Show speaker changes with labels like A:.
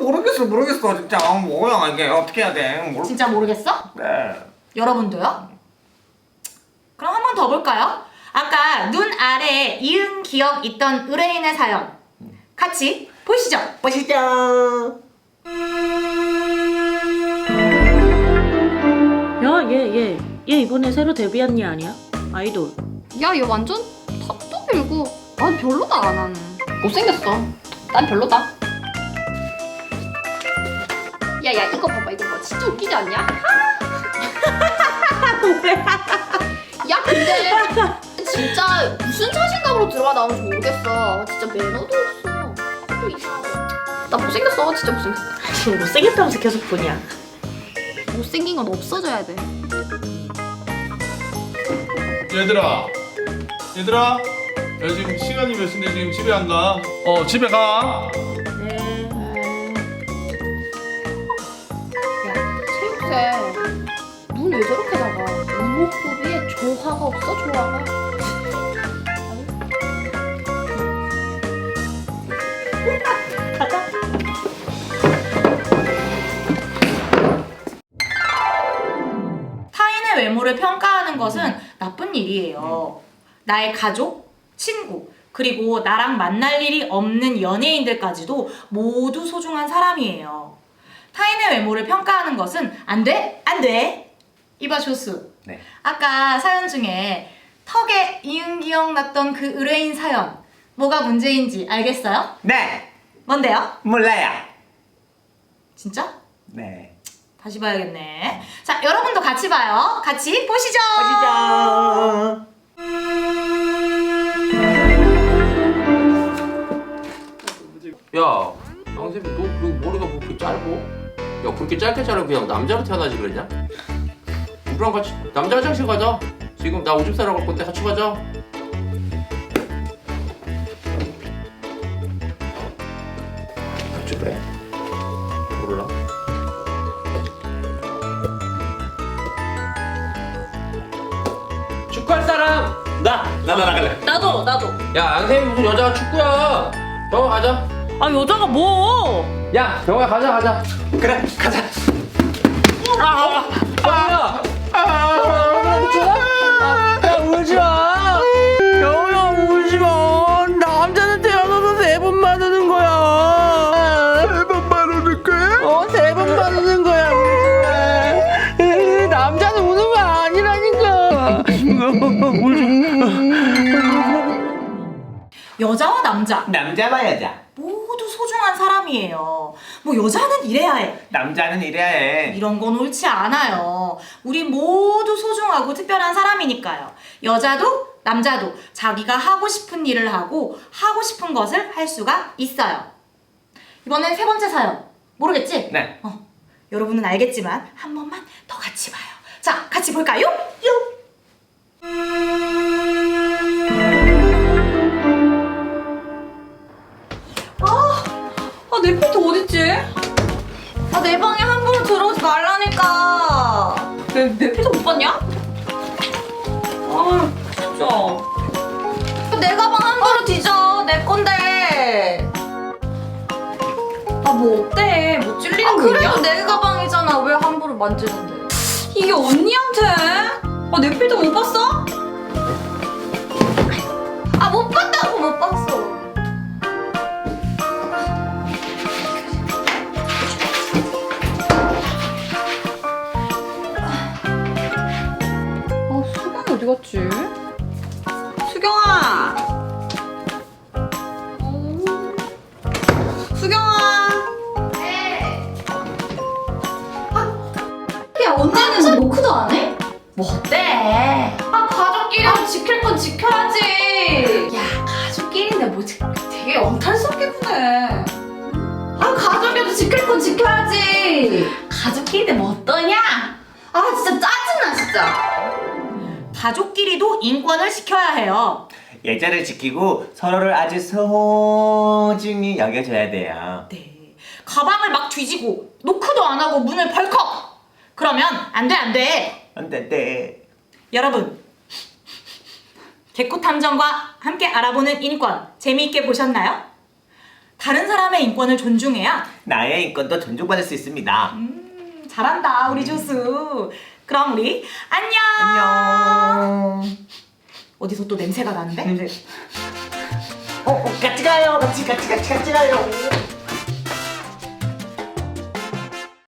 A: 모르겠어 진짜. 뭐야 이게 어떻게 해야 돼?
B: 진짜 모르겠어?
A: 네.
B: 여러분도요? 그럼 한 번 더 볼까요? 아까 눈 아래에 이응 기억 있던 의뢰인의 사연 같이 보시죠.
C: 야, 얘 이번에 새로 데뷔한 얘 아니야? 아이돌.
D: 야, 얘 완전 탑도 밀고 난 별로다, 나는. 못생겼어. 난 별로다. 야, 이거 봐봐, 진짜 웃기지 않냐? 야, 근데 진짜 무슨 자신감으로 들어가 나오는지 모르겠어. 진짜 매너도 없어. 또 이상하고. 나 못생겼어, 진짜 못생겼어.
C: 지금 못생겼다면서 계속 보냐?
D: 못생긴 건 없어져야 돼.
E: 얘들아, 야 지금 시간이 몇 시인데 지금 집에 안 가? 집에 가.
C: 네.
D: 야, 체육생 눈 왜 저렇게 작아? 이목구비에 조화가 없어, 조화가.
C: 가자.
B: 타인의 외모를 평가하는 것은 나쁜 일이에요. 나의 가족, 친구, 그리고 나랑 만날 일이 없는 연예인들까지도 모두 소중한 사람이에요. 타인의 외모를 평가하는 것은 안 돼? 안 돼! 이봐 조수.
A: 네.
B: 아까 사연 중에 턱에 이응 기억 났던 그 의뢰인 사연 뭐가 문제인지 알겠어요?
A: 네.
B: 뭔데요?
A: 몰라요.
B: 진짜?
A: 네.
B: 다시 봐야겠네. 자, 여러분도 같이 봐요. 같이 보시죠.
F: 야, 양쌤이 너 그 머리가 뭐 그렇게 짧어? 야, 그렇게 짧게 자르면 그냥 남자로 태어나지 그랬냐? 우리랑 같이 남자 화장실 가자. 지금 나 오줌 싸러 갈 건데 같이 가자. 같이 그래? 몰라. 축구할 사람? 나 나갈래.
C: 나도.
F: 야, 양쌤이 무슨 여자가 축구야? 병원 가자.
C: 아, 여자가 뭐?
F: 야, 병원 가자.
A: 그래 가자.
F: 야,
G: 야 울지 마. 여우야 울지 마. 남자는 태어나서 3번 맞는 거야.
A: 3번 말하는 거야?
G: 3번 맞는 거야. 남자는 우는 거 아니라니까.
B: 여자와 남자
A: 남자와 여자.
B: 모두 소중한 사람이에요. 뭐 여자는 이래야 해.
A: 남자는 이래야 해.
B: 이런 건 옳지 않아요. 우리 모두 소중하고 특별한 사람이니까요. 여자도 남자도 자기가 하고 싶은 일을 하고 하고 싶은 것을 할 수가 있어요. 이번엔 3번째 사연. 모르겠지?
A: 네.
B: 여러분은 알겠지만 한 번만 더 같이 봐요. 자, 같이 볼까요? 내 필터 어딨지? 내 방에 함부로 들어오지 말라니까. 내 필터 못 봤냐? 진짜. 내 가방 함부로 뒤져. 내 건데. 뭐 어때? 뭐 찔리는 거 있냐? 그래도 내 가방이잖아. 왜 함부로 만지는데? 이게 언니한테? 내 필터 못 봤어? 못 봤다고 못 봤어.
D: 수경이 어디 갔지?
B: 수경아. 수경아. 네. 야, 언니는 노크도 안 해? 뭐 어때? 가족끼리 지킬 건 지켜야지. 야, 가족끼리인데 뭐 되게 엉탈스럽게 구네. 가족이라도 지킬 건 지켜야지. 가족끼리인데 뭐 어떠냐? 진짜 짜증나 진짜. 가족끼리도 인권을 지켜야 해요.
A: 예절을 지키고 서로를 아주 소중히 여겨줘야 돼요.
B: 네. 가방을 막 뒤지고 노크도 안 하고 문을 벌컥. 그러면 안 돼, 안 돼.
A: 안 돼, 네.
B: 여러분, 개코 탐정과 함께 알아보는 인권 재미있게 보셨나요? 다른 사람의 인권을 존중해야
A: 나의 인권도 존중받을 수 있습니다.
B: 잘한다 우리 조수. 그럼 우리 안녕.
A: 안녕.
B: 어디서 또 냄새가 나는데?
A: 같이 가요. 같이 가요.